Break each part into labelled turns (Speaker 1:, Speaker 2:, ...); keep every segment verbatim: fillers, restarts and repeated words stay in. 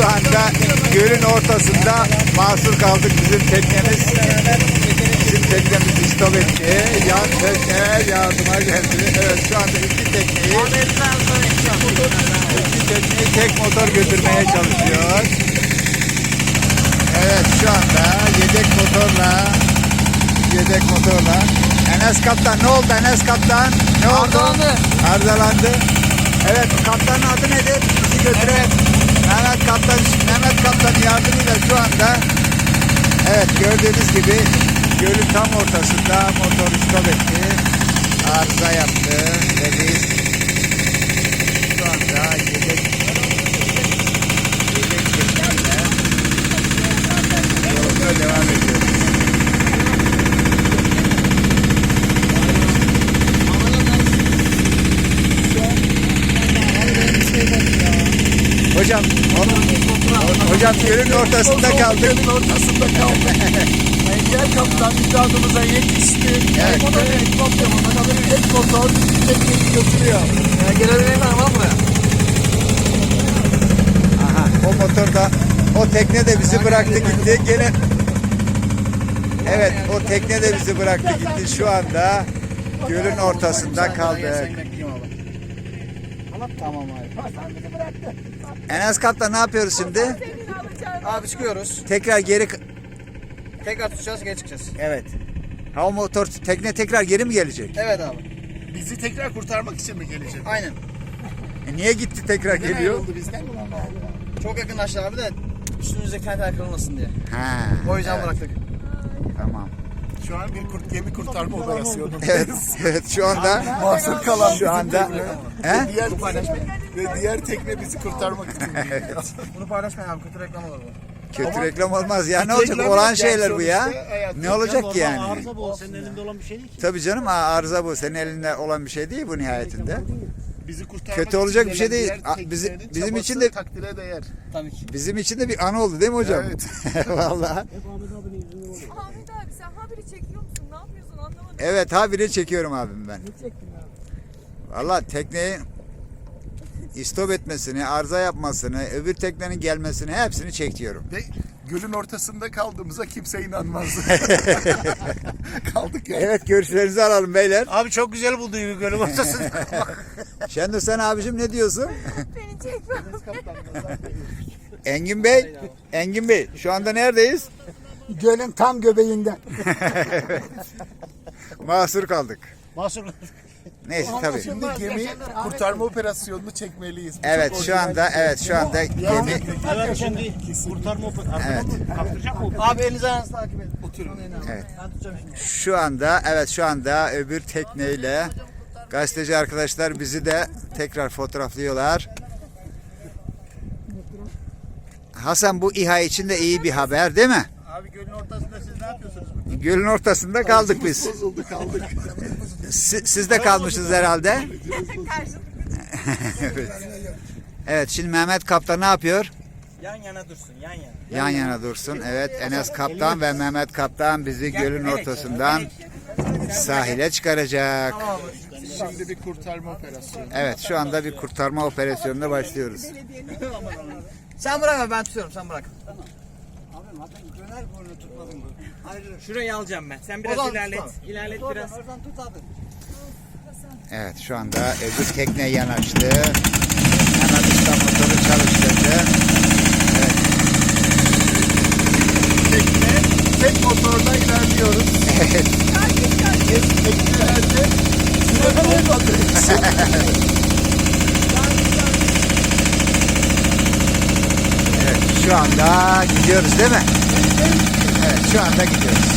Speaker 1: şu anda gölün ortasında mahsur kaldık bizim teknemiz. Bizim teknemiz istop etti. Yan tekne yardıma geldi. Evet şu anda iki tekneyi iki tekneyi tek motor götürmeye çalışıyor. Evet şu anda yedek motorla yedek motorla Enes Kaptan ne oldu Enes Kaptan? Ne oldu?
Speaker 2: Arızalandı.
Speaker 1: Arızalandı. Evet kaptanın adı nedir? Bizi götüren Mehmet Kaptan, Mehmet Kaptan yardımıyla şu anda evet gördüğünüz gibi gölün tam ortasında motor stop etti. Arıza yaptı ve biz şu anda yedek yedek tekneyle yolumuza devam ediyoruz. Hocam, hocam gölün ortasında kaldık.
Speaker 2: Gölün ortasında kaldık. Engel kaptan imdadımıza yetişti.
Speaker 1: Evet.
Speaker 2: O da bir motor, tek motor tekneyi götürüyor. Yani gelebilen var mı?
Speaker 1: Aha, o motor da, o tekne de bizi bıraktı gitti. Gene evet, o tekne de bizi bıraktı gitti. Şu anda gölün ortasında kaldık.
Speaker 2: Tamam abi. Sen bizi bıraktın.
Speaker 1: Enes Kaptan ne yapıyoruz şimdi?
Speaker 2: Abi çıkıyoruz.
Speaker 1: Tekrar geri...
Speaker 2: Tekrar tutacağız, geri çıkacağız.
Speaker 1: Evet. Ha o motor, tekne tekrar geri mi gelecek?
Speaker 2: Evet abi.
Speaker 3: Bizi tekrar kurtarmak için mi gelecek?
Speaker 2: Aynen.
Speaker 1: E niye gitti tekrar geliyor?
Speaker 3: Oldu bizden.
Speaker 2: Çok yakınlaştı abi de üstümüzdeki tentel kırılmasın diye.
Speaker 1: Ha.
Speaker 2: O yüzden
Speaker 1: evet,
Speaker 2: bıraktık.
Speaker 1: Tamam.
Speaker 3: Şu an bir kurt, gemi kurtarma operasyonu.
Speaker 1: Evet, evet şu anda
Speaker 3: Mahsur kalan
Speaker 1: şu anda he?
Speaker 3: Diğer ve diğer tekne bizi kurtarmak için.
Speaker 2: Bunu paylaşmayın abi, kötü reklam olur bu.
Speaker 1: Kötü
Speaker 3: Ama-
Speaker 1: reklam olmaz ya. Ne olacak?
Speaker 3: Reklam
Speaker 1: Olan
Speaker 3: yok
Speaker 1: şeyler
Speaker 3: yani
Speaker 1: bu ya.
Speaker 3: sonuçta hayat.
Speaker 1: Ne olacak ki yani?
Speaker 4: Arıza bu. Senin elinde olan bir şey değil ki.
Speaker 1: Tabii canım arıza bu. Senin elinde olan bir şey değil bu nihayetinde.
Speaker 3: Bizi kurtarmak
Speaker 1: Kötü
Speaker 3: için
Speaker 1: olacak bir şey
Speaker 3: gelen
Speaker 1: değil.
Speaker 3: diğer
Speaker 1: A- bizi-
Speaker 3: teknelerin
Speaker 1: bizim
Speaker 3: çabası
Speaker 1: için de-
Speaker 3: takdire değer.
Speaker 2: Tabii ki.
Speaker 1: Bizim için de bir anı oldu değil mi hocam?
Speaker 3: Evet.
Speaker 1: Vallahi.
Speaker 4: Hep Ahmet abinin yüzünden oluyor.
Speaker 5: Ahmet abi sen haberi çekiyor musun? Ne yapıyorsun anlamadım.
Speaker 1: Evet habire çekiyorum abim ben. Vallahi tekneyi istop etmesini, arıza yapmasını, öbür teknenin gelmesini hepsini çekiyorum.
Speaker 3: Ve gölün ortasında kaldığımıza kimse inanmaz. Kaldık ya.
Speaker 1: Evet görüşlerinizi alalım beyler.
Speaker 4: Abi çok güzel buldu gibi gölün ortasında.
Speaker 1: Şendur sen abicim ne diyorsun?
Speaker 5: Beni çekme.
Speaker 1: Engin Bey, Engin Bey şu anda neredeyiz?
Speaker 2: Gölün tam göbeğinden.
Speaker 1: Mahsur kaldık.
Speaker 4: Mahsur.
Speaker 1: Neyse tabii.
Speaker 3: Şimdi gemi kurtarma operasyonunu çekmeliyiz. Bu
Speaker 1: Evet
Speaker 3: çok
Speaker 1: şu
Speaker 3: orijinal
Speaker 1: anda
Speaker 3: bir şey.
Speaker 1: evet şu anda gemi
Speaker 4: Evet şimdi kurtarma operasyonu.
Speaker 1: evet.
Speaker 4: Kaptıracak mı?
Speaker 2: Abi elinizi ayağınızı takip edin.
Speaker 3: Oturun.
Speaker 1: Evet.
Speaker 2: Ben tutacağım şimdi.
Speaker 1: Şu anda evet şu anda öbür tekneyle gazeteci arkadaşlar bizi de tekrar fotoğraflıyorlar. Hasan bu İHA için de iyi bir haber değil mi?
Speaker 4: Abi gölün ortasında siz ne yapıyorsunuz?
Speaker 1: Gölün ortasında kaldık biz.
Speaker 3: Bozuldu kaldık.
Speaker 1: Si- Siz de kalmışsınız herhalde. Evet. Evet şimdi Mehmet Kaptan ne yapıyor?
Speaker 2: Yan yana dursun, yan yana.
Speaker 1: Yan yana dursun. Evet Enes Kaptan ve Mehmet Kaptan bizi gölün ortasından sahile çıkaracak.
Speaker 3: Şimdi bir kurtarma operasyonu.
Speaker 1: Evet şu anda bir kurtarma operasyonuna başlıyoruz.
Speaker 2: Sen bırak abi, ben tutuyorum, sen bırak.
Speaker 6: Şurayı alacağım ben. Sen biraz
Speaker 2: Oradan
Speaker 6: ilerlet.
Speaker 2: tut
Speaker 6: İlerlet biraz.
Speaker 2: Oradan tut abi.
Speaker 1: Evet şu anda öbür tekne yanaştı. Hemen usta motoru çalıştırdı. Evet.
Speaker 3: Tekne tek motorla ilerliyoruz.
Speaker 1: Evet.
Speaker 3: Teknelerde süre olmadığı için
Speaker 1: Evet şu anda gidiyoruz değil mi? Evet şu anda gidiyoruz.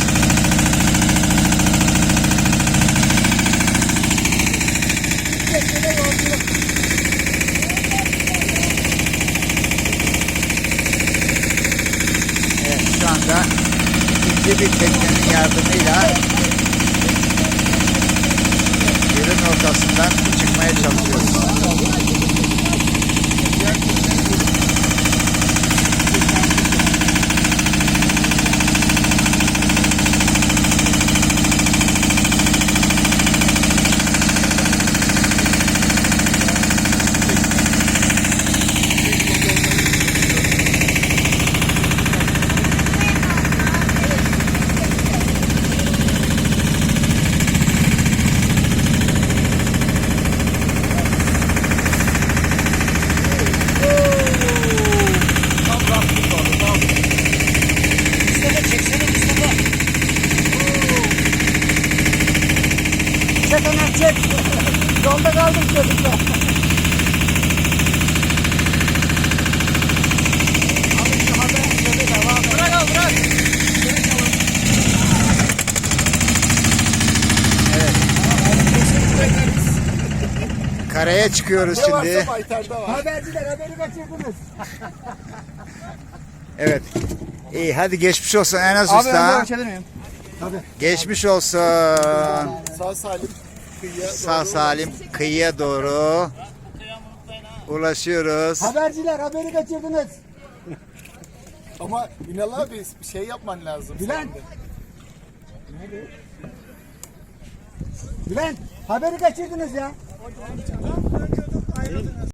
Speaker 1: Evet şu anda ikinci bir teknenin yardımıyla gölün ortasından çıkmaya çalışıyoruz.
Speaker 2: Yolda kaldım çocuklar. Abi şu haberleri de var. Bırak al bırak.
Speaker 1: Karaya çıkıyoruz
Speaker 3: Ne
Speaker 1: şimdi.
Speaker 3: varsa Baytar'da var.
Speaker 2: Haberciler haberi kaçırdınız.
Speaker 1: Evet. İyi hadi geçmiş olsun Enes
Speaker 2: Abi
Speaker 1: Usta.
Speaker 2: önden geçebilir miyim?
Speaker 1: Geçmiş olsun.
Speaker 3: Sağ salim kıyıya
Speaker 1: Sağ
Speaker 3: doğru.
Speaker 1: salim kıyıya doğru ulaşıyoruz.
Speaker 2: Haberciler haberi kaçırdınız.
Speaker 3: Ama Ünal abi bir şey yapman lazım.
Speaker 2: Bülent. Bülent haberi kaçırdınız ya.